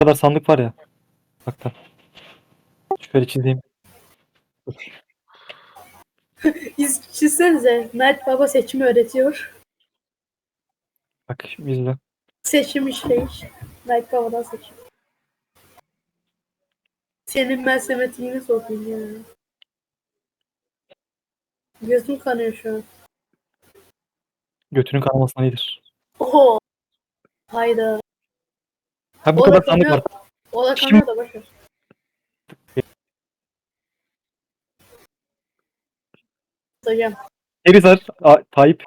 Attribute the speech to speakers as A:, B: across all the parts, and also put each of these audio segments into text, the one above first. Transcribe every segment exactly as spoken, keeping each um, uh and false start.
A: kadar sandık var ya. Bak da. Şöyle çizeyim.
B: İz çizsenize. Night Baba seçimi öğretiyor.
A: Bak şimdi izle.
B: Seçim işleyiş. Night Baba'dan seçim. Senin ben semetiğini sokayım ya. Gözüm kanıyor şu an.
A: Götünün kanamasına iyidir.
B: Oho. Hayda.
A: Ha bu
B: O
A: kadar
B: da
A: sandık
B: kanıyor.
A: var.
B: O da
A: Şimdi-
B: kanıyor da boşver. Hocam.
A: Erizar, A- Tayyip.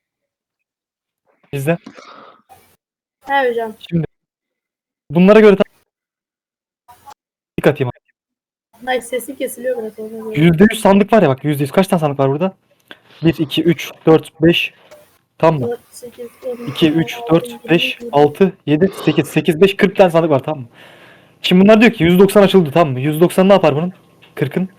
A: İzle.
B: He hocam.
A: Şimdi bunlara göre dikkat atayım.
B: Night sesi kesiliyor biraz ona göre.
A: yüzde yüz sandık var ya bak yüzde yüz. Kaç tane sandık var burada? bir, iki, üç, dört, beş. Tamam mı?
B: dört, sekiz, on,
A: iki, üç,
B: on altı,
A: dört,
B: yirmi,
A: beş,
B: yirmi.
A: altı, yedi, sekiz, sekiz, beş, kırk tane sandık var tamam mı? Şimdi bunlar diyor ki yüz doksan açıldı tamam mı? yüz doksan ne yapar bunun? kırkın.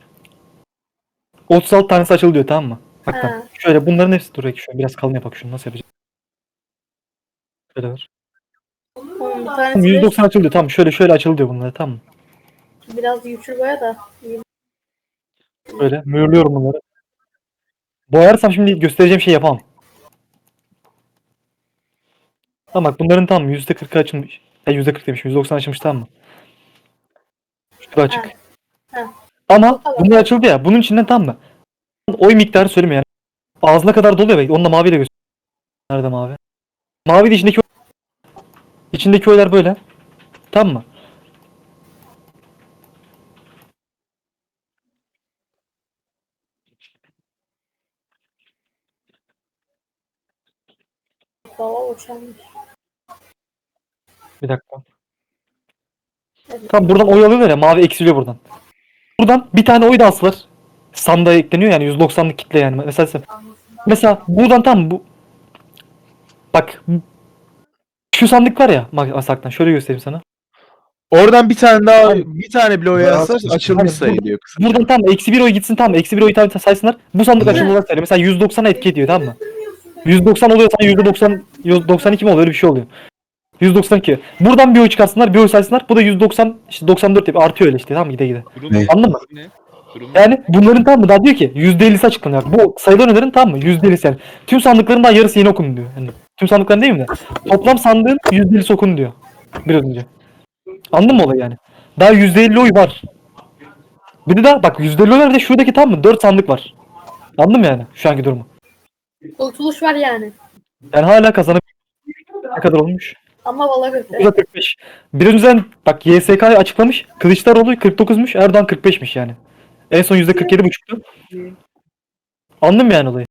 A: otuz altı tanesi açıldı diyor tamam mı? Bak
B: Ha.
A: tamam. Şöyle bunların hepsi dur belki şöyle biraz kalın yapak şunu nasıl yapacağız? Şöyle ver.
B: Oğlum bir
A: Tamam,
B: tanesi
A: yüz
B: beş.
A: doksan açıldı diyor tamam şöyle şöyle açıldı diyor bunları tamam mı?
B: Biraz güçlü boya da.
A: Şöyle mühürlüyorum bunları. Boyarsam şimdi göstereceğim şey yapamam. Tamam bak bunların tam yüzde kırkı açılmış. Ya yüzde kırk demişim yüzde doksan açılmış tamam mı? Şurada açık.
B: Ha. Ha.
A: Ama
B: O kadar.
A: bunlar açıldı ya bunun içinden tam mı? Oy miktarı söyleme yani. Ağzına kadar doluyor belki. Onu da maviyle göster. Nerede mavi? Mavi de içindeki içindeki oylar böyle. Tamam mı?
B: Baba boşanmış.
A: Bir dakika.
B: Evet.
A: Tamam buradan oy alıyorlar ya mavi eksiliyor buradan. Buradan bir tane oy da asılır. Sandığa ekleniyor yani yüz doksanlık kitle yani. Mesela mesela buradan tam bu bak şu sandık var ya masaktan şöyle göstereyim sana.
C: Oradan bir tane daha
A: Abi,
C: bir tane bile oy
D: daha
C: yazarsa
D: sıkıştı.
C: açılmış
A: Hani
C: sayılıyor kısaca.
A: Buradan tam eksi bir oy gitsin tamam eksi bir oy tabi saysınlar. Bu sandık
D: Evet.
A: açıldı olarak söylüyor. Mesela yüz doksan etki ediyor tamam mı? yüz doksan oluyorsa yüzde doksan yüz doksan iki mi oluyor öyle bir şey oluyor. yüz doksan iki. Buradan bir oy çıkarsınlar bir oy saysınlar. Bu da yüz doksan işte doksan dört yapıyor. Artıyor öyle işte tamam mı gide gide.
E: Durum
D: Ne?
E: ne?
A: Anladın mı?
E: Durum ne? Durum ne?
A: Yani bunların tam mı daha diyor ki yüzde ellisi açıklanıyor. Bu sayılan oyların tam mı? yüzde ellisi yani. Tüm sandıkların daha yarısı yeni okun diyor. Yani tüm sandıkların değil mi de? Toplam sandığın yüzde ellisi okun diyor. Biraz önce. Anladın mı olayı yani? Daha yüzde elli oy var. Bir de daha bak yüzde elli oy var bir de şuradaki tam mı? dört sandık var. Anladın mı yani şu anki durumu?
B: Kurtuluş var yani.
A: Yani hala kazanabilir. Ne kadar olmuş?
B: Ama valla kötü.
A: yüzde kırk beş. Bir önceden bak Y S K açıklamış. Kılıçdaroğlu kırk dokuzmuş. Erdoğan kırk beşmiş yani. En son yüzde kırk yedi buçuktu. Anladın mı yani olayı?